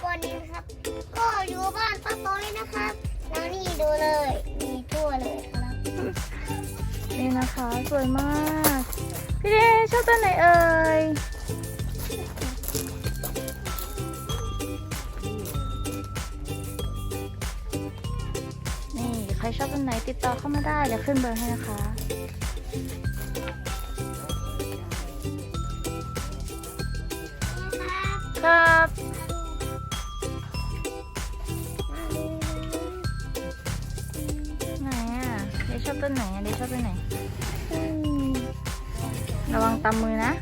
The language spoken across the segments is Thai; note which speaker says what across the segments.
Speaker 1: วันนี้นะครับก็อยู่บ้านป้าต้อยนะครับแล้วนี่ดูเลยมีทั่วเลยครับ
Speaker 2: นี่นะคะสวยมากพี่เดชชอบต้นไหนเอ่ยนี่ใครชอบต้นไหนติดต่อเข้ามาได้เดี๋ยวขึ้นเบอร์ให้นะคะครับไหนอ่ะเดชชอบต้นไหนอ่ะเดชชอบต้นไหนระวังตำมือนะ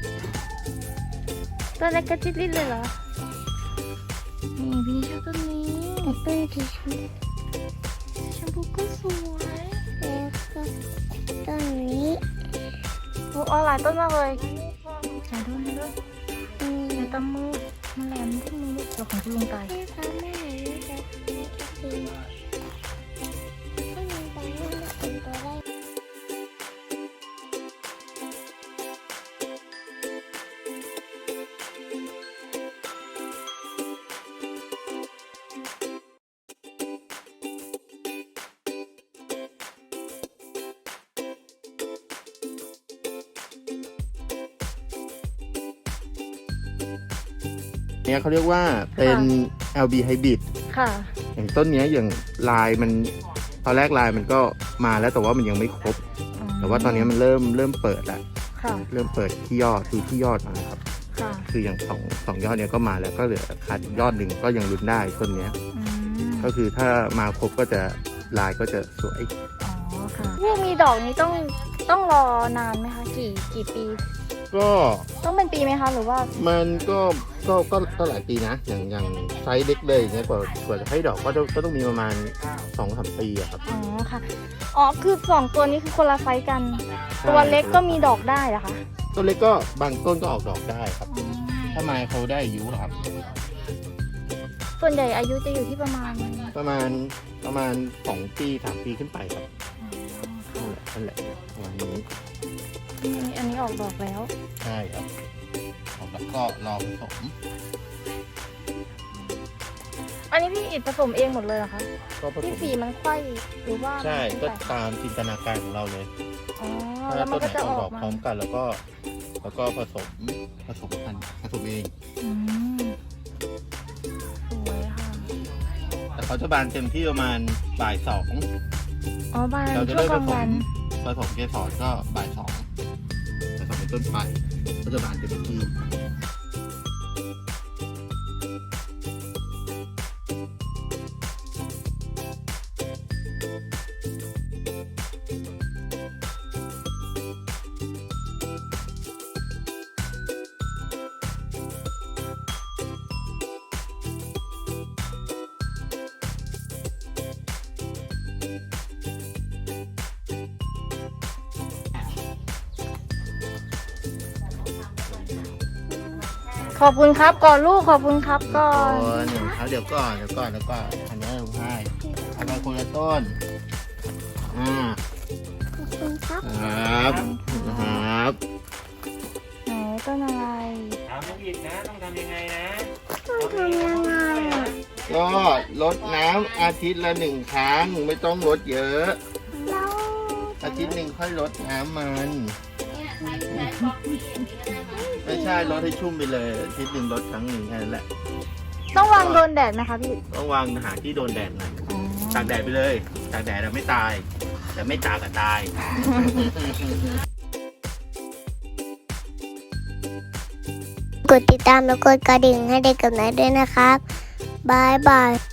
Speaker 2: ต้นเล็กกระจิตลิดเลยเหรอนี่พี่ชอบต้นนี้ต้นที่ชมพูก็สวย
Speaker 1: แล้วก็ต้นนี้
Speaker 2: โอ้หลายต้นมากเลยอย่าโดนอย่าตำมือมันแหลมที่มือเดี๋ยวของคุณลุงตาย
Speaker 1: แม่คะแม่หนูจะกินให้มันไปให้มันเป็นตัวได้
Speaker 3: เนี่ยเขาเรียกว่าเป็น LB Hybrid
Speaker 2: ค่ะ
Speaker 3: อย่างต้นเนี้ยอย่างลายมันตอนแรกลายมันก็มาแล้วแต่ว่ามันยังไม่ครบแต่ว่าตอนนี้มันเริ่มเปิดแล้วเริ่มเปิดที่ยอดดูที่ยอดนะครับคืออย่างสองยอดเนี้ยก็มาแล้วก็เหลือขาดยอดหนึ่งก็ยังลุ้นได้ต้นเนี้ยก็คือถ้ามาครบก็จะลายก็จะสวย
Speaker 2: อ๋อค่ะพวกมีดอกนี้ต้องรอนานไหมคะกี่ปี
Speaker 3: ก็
Speaker 2: ต้องเป็นปีไหมคะหรือว่า
Speaker 3: มันก็หลายปีนะอย่างไซส์เล็กเลยอย่างเงี้ยกว่าจะให้ดอกก็ต้องมีประมาณ 2-3 ปีอะครับ
Speaker 2: อ๋อค่ะอ๋อคือ2ตัวนี้คือคนละไซส์กันตัวเล็กก็มีดอกได้เหรอคะ
Speaker 3: ตัวเล็กก็บางต้นก็ออกดอกได้ครับถ้าไม้เขาได้อายุครับ
Speaker 2: ส่วนใหญ่อายุจะอยู่ที่ประมาณ
Speaker 3: 2 ปี 3 ปีขึ้นไปครับนั่นแหละประมาณนี้
Speaker 2: อันนี้ออกดอกแล้ว
Speaker 3: ใช่ครับออกแล้วก็รอผสม
Speaker 2: อันนี้พี่อิดผสมเองหมดเลยเหรอคะ
Speaker 3: ก็ผสม
Speaker 2: ที่ฝีมันไขว้หรือว่า
Speaker 3: ใช่ก็ตามจินตนาการของเราเลย
Speaker 2: อ๋อแล้วมันก็จะออก
Speaker 3: พร้อมกันแล้วก็ผสมพันธุ์ผสมเอง
Speaker 2: สวยค่ะ
Speaker 3: แต่เขาจะบานเต็มที่ประมาณบ่าย 2
Speaker 2: อ๋อบาน
Speaker 3: เราจะได้ผสมเกสรก็บ่าย 2ผสมเป็นต้นไปก็จะบานเต็มที่
Speaker 2: ขอบคุณครับก่อนลูกขอบคุณครับก่อน
Speaker 3: เดี๋ยวก่อนแล้วก็อันนี้เราให้เอาไปคนละต้น
Speaker 1: ขอบคุณครับ
Speaker 3: ครับ
Speaker 2: ไหนต้นอะไร
Speaker 4: ถามน้องอีกนะต้องทำยังไงนะ
Speaker 1: ต้องทำยังไง
Speaker 3: ก็รดน้ำอาทิตย์ละ1 ครั้งไม่ต้องรดเยอะอาทิตย์หนึ่งค่อยรดน้ำมันไม่ใช่รดให้ชุ่มไปเลยอาทิตย์หนึ่งรดครั้งหนึ่งแค่นั้นแหละ
Speaker 2: ต้องวางโดนแดดไหมคะพี่
Speaker 3: ต้องวางหาที่โดนแดดหน่อยตากแดดไปเลยตากแดดเราไม่ตายแต่ไม่ตากก็ตาย
Speaker 1: กดติดตามและกดกระดิ่งให้เด็กกับนายด้วยนะครับบายบาย